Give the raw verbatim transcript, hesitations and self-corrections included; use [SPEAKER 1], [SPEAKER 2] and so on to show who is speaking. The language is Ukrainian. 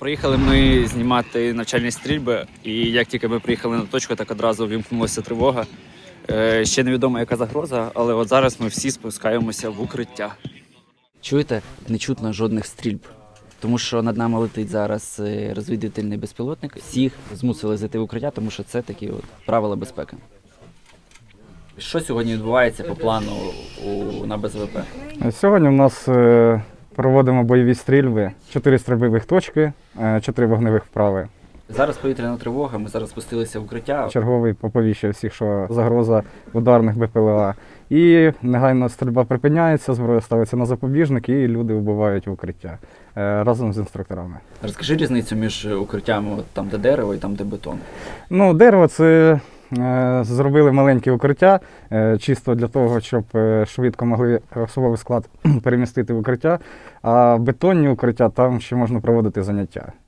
[SPEAKER 1] Приїхали ми знімати навчальні стрільби, і як тільки ми приїхали на точку, так одразу вимкнулася тривога. Е, ще невідомо, яка загроза, але от зараз ми всі спускаємося в укриття. Чуєте? Не чутно жодних стрільб, тому що над нами летить зараз розвідувальний безпілотник. Всіх змусили зайти в укриття, тому що це такі от правила безпеки. Що сьогодні відбувається по плану у, на Б З В П?
[SPEAKER 2] Сьогодні у нас е, проводимо бойові стрільби, чотири стрільбових точки, е, чотири вогневих вправи.
[SPEAKER 1] Зараз повітряна тривога, ми зараз спустилися в укриття.
[SPEAKER 2] Черговий поповіщує всіх, що загроза ударних Б П Л А. І негайно стрільба припиняється, зброя ставиться на запобіжник і люди вбивають в укриття е, разом з інструкторами.
[SPEAKER 1] Розкажи різницю між укриттями, от там де дерево і там де бетон.
[SPEAKER 2] Ну, дерево – це е, зробили маленькі укриття, е, чисто для того, щоб е, швидко могли особовий склад перемістити в укриття, а бетонні укриття, там ще можна проводити заняття.